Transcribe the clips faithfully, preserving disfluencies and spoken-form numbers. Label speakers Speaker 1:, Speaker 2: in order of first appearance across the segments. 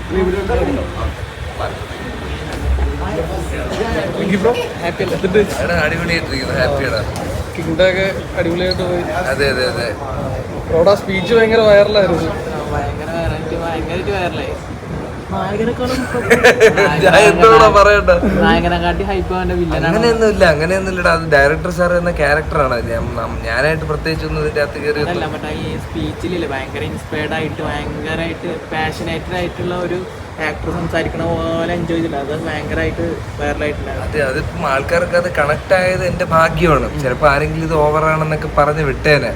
Speaker 1: അടിപൊളിയായിട്ടിരിക്കുന്നു, ഹാപ്പിയാണ്.
Speaker 2: കിങ്ഡൊക്കെ അടിപൊളിയായിട്ട് പോയി.
Speaker 1: അതെ അതെ അതെ.
Speaker 2: റോഡ സ്പീച്ച് ഭയങ്കര വൈറലായിരുന്നു.
Speaker 3: ഭയങ്കര വൈറലായിട്ട് ഭയങ്കരമായിട്ട് വൈറലായി. നായകനെക്കാട്ടി ഹൈപ്പ് അവന്റെ വില്ലനാണ്.
Speaker 1: അങ്ങനെയൊന്നുമില്ല അങ്ങനെയൊന്നുമില്ലടാ, അത് ഡയറക്ടർ സാർ എന്ന ക്യാരക്ടറാണ്. ഞാനായിട്ട് പ്രത്യേകിച്ചൊന്നും ഇതിന്റെ അകത്ത് കയറി
Speaker 3: അല്ല. ബട്ട് ഈ സ്പീച്ചിലില്ലേ ഭയങ്കര ഇൻസ്പയർഡ് ആയിട്ട് ഭയങ്കരമായിട്ട് പാഷനേറ്റഡ് ആയിട്ടുള്ള ഒരു ആക്ടർ സംസാരിക്കണ പോലെ എൻജോയ് ചെയ്തില്ല. അത് ഭയങ്കരമായിട്ട് വൈറലായിട്ടുണ്ടായിരുന്നു.
Speaker 1: അതെ, അതിപ്പം ആൾക്കാർക്ക് അത് കണക്ട് ആയത് എന്റെ ഭാഗ്യമാണ്. ചിലപ്പോ ആരെങ്കിലും ഇത് ഓവറാണെന്നൊക്കെ പറഞ്ഞ് വിട്ടേനെ.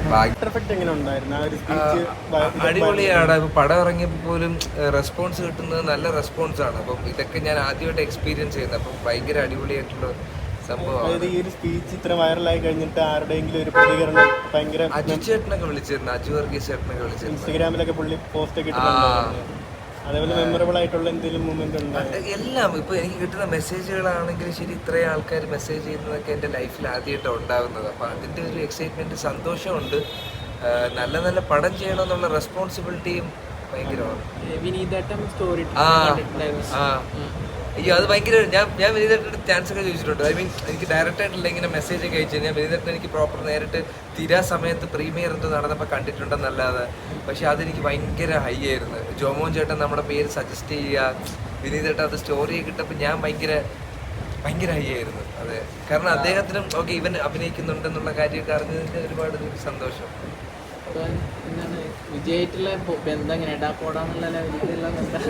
Speaker 1: അടിപൊളിയാണ്. ഇപ്പൊ പടം ഇറങ്ങിയപ്പോൾ പോലും റെസ്പോൺസ് കിട്ടുന്നത് നല്ല റെസ്പോൺസ് ആണ്. അപ്പം ഇതൊക്കെ ഞാൻ ആദ്യമായിട്ട് എക്സ്പീരിയൻസ് ചെയ്യുന്നത്. അപ്പം ഭയങ്കര അടിപൊളിയായിട്ടുള്ള സംഭവമാണ്.
Speaker 4: ഈ ഒരു സ്പീച്ച് ഇത്ര വൈറലായി കഴിഞ്ഞിട്ട് ആരുടെയെങ്കിലും ഒരു പ്രതികരണം ഭയങ്കര
Speaker 1: അജു ചേട്ടനൊക്കെ വിളിച്ചിരുന്നു, അജു വർഗീസ് ചേട്ടനൊക്കെ വിളിച്ചിരുന്നു.
Speaker 4: ഇൻസ്റ്റഗ്രാമിലൊക്കെ പുള്ളി പോസ്റ്റ് ഒക്കെ ഇട്ടിട്ടുണ്ടായിരുന്നു. അതേപോലെ മെമ്മറബിൾ ആയിട്ടുള്ള എന്തെങ്കിലും മൂമെന്റ് ഉണ്ടോ?
Speaker 1: എല്ലാം ഇപ്പൊ എനിക്ക് കിട്ടുന്ന മെസ്സേജുകളാണെങ്കിലും ശരി, ഇത്രയും ആൾക്കാർ മെസ്സേജ് ചെയ്യുന്നതൊക്കെ എൻ്റെ ലൈഫിൽ ആദ്യമായിട്ടാണ് ഉണ്ടാകുന്നത്. അപ്പം അതിൻ്റെ ഒരു എക്സൈറ്റ്മെന്റ്, സന്തോഷമുണ്ട്. നല്ല നല്ല പടം ചെയ്യണമെന്നുള്ള റെസ്പോൺസിബിലിറ്റിയും ഭയങ്കരമാണ്. ആ ആ അയ്യോ, അത് ഭയങ്കര ഞാൻ ഞാൻ വിനീതേട്ടൻ്റെ ചാൻസ് ഒക്കെ ചോദിച്ചിട്ടുണ്ട്. ഐ മീൻ എനിക്ക് ഡയറക്റ്റ് ആയിട്ടില്ല ഇങ്ങനെ മെസ്സേജ് ഒക്കെ അയച്ചു കഴിഞ്ഞാൽ വിനീതേട്ടൻ എനിക്ക് പ്രോപ്പർ നേരിട്ട് തീരാ സമയത്ത് പ്രീമിയർ എന്തോ നടന്നപ്പോൾ കണ്ടിട്ടുണ്ടെന്നല്ലാതെ. പക്ഷെ അതെനിക്ക് ഭയങ്കര ഹൈ ആയിരുന്നു. ജോമോൻ ചേട്ടൻ നമ്മുടെ പേര് സജസ്റ്റ് ചെയ്യുക, വിനീതേട്ടൻ അത് സ്റ്റോറി കിട്ടപ്പോൾ ഞാൻ ഭയങ്കര ഭയങ്കര ഹൈ ആയിരുന്നു. അതെ, കാരണം അദ്ദേഹത്തിനും ഓക്കെ ഇവൻ അഭിനയിക്കുന്നുണ്ടെന്നുള്ള കാര്യമൊക്കെ അറിഞ്ഞതിൻ്റെ ഒരുപാട് സന്തോഷം.
Speaker 3: വിജയായിട്ടുള്ള ബന്ധം എങ്ങനെയാ പോടാന്നുള്ള ലെവലിലുള്ള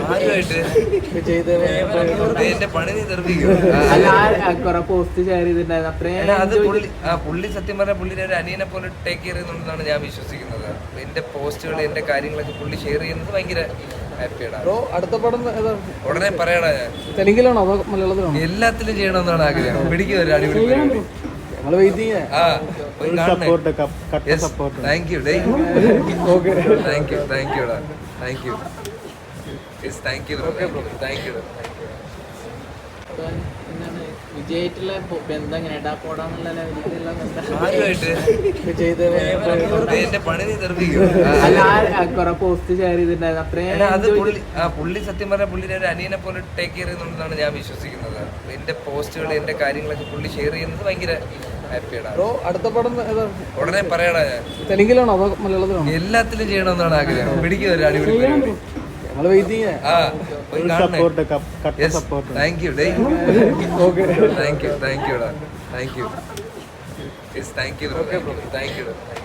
Speaker 1: എന്റെ പണി നീ തെറിപ്പിക്കും.
Speaker 3: കുറെ പോസ്റ്റ് ഷെയർ ചെയ്തിട്ടുണ്ടായിരുന്നു. അത്രയും
Speaker 1: അത് പുള്ളി ആ പുള്ളി സത്യം പറഞ്ഞാൽ പുള്ളിനെ ഒരു അനിയനെ പോലെ ടേക്ക് കെയർ ചെയ്യുന്നുണ്ടെന്നാണ് ഞാൻ വിശ്വസിക്കുന്നത്. എന്റെ പോസ്റ്റുകൾ എന്റെ കാര്യങ്ങളൊക്കെ പുള്ളി ഷെയർ ചെയ്യുന്നത് ഭയങ്കര ഹാപ്പിയാണ്.
Speaker 2: അടുത്ത പടം
Speaker 1: ഉടനെ പറയടാ. ഞാൻ
Speaker 2: തെലുങ്കിലാണോ അതോ മലയാളത്തിലാണോ?
Speaker 1: എല്ലാത്തിലും ചെയ്യണമെന്നാണ് ആഗ്രഹം. പിടിക്കും ഒരു അടിപൊളി.
Speaker 2: ഞങ്ങൾ വെയിറ്റ് ചെയ്യാം.
Speaker 1: Thank you thank you thank you thank you thank you thank you.
Speaker 3: വിജയായിട്ടുള്ള ബന്ധം എങ്ങനെയാ പോടാന്നുള്ള ലെവലിലുള്ള
Speaker 1: എന്റെ പണി നീ തെറിപ്പിക്കും.
Speaker 3: കുറെ പോസ്റ്റ് ഷെയർ ചെയ്തിട്ടുണ്ടായിരുന്നു. അത്രയും
Speaker 1: അത് പുള്ളി ആ പുള്ളി സത്യം പറഞ്ഞാൽ പുള്ളിനെ ഒരു അനിയനെ പോലെ ടേക്ക് കെയർ ചെയ്യുന്നുണ്ടെന്നാണ് ഞാൻ വിശ്വസിക്കുന്നത്. എന്റെ പോസ്റ്റുകൾ എന്റെ കാര്യങ്ങളൊക്കെ പുള്ളി ഷെയർ ചെയ്യുന്നത് ഭയങ്കര ഹാപ്പിയാണ്.
Speaker 2: അടുത്ത പടം
Speaker 1: ഉടനെ പറയടാ. ഞാൻ
Speaker 2: തെലുങ്കിലാണോ അതോ മലയാളത്തിലാണോ?
Speaker 1: എല്ലാത്തിലും ചെയ്യണമെന്നാണ് ആഗ്രഹം. പിടിക്കും ഒരു അടിപൊളി.
Speaker 2: ഞങ്ങൾ വെയിറ്റ് ചെയ്യാം.
Speaker 1: ആ thank you thank you thank you thank you thank you thank you thank U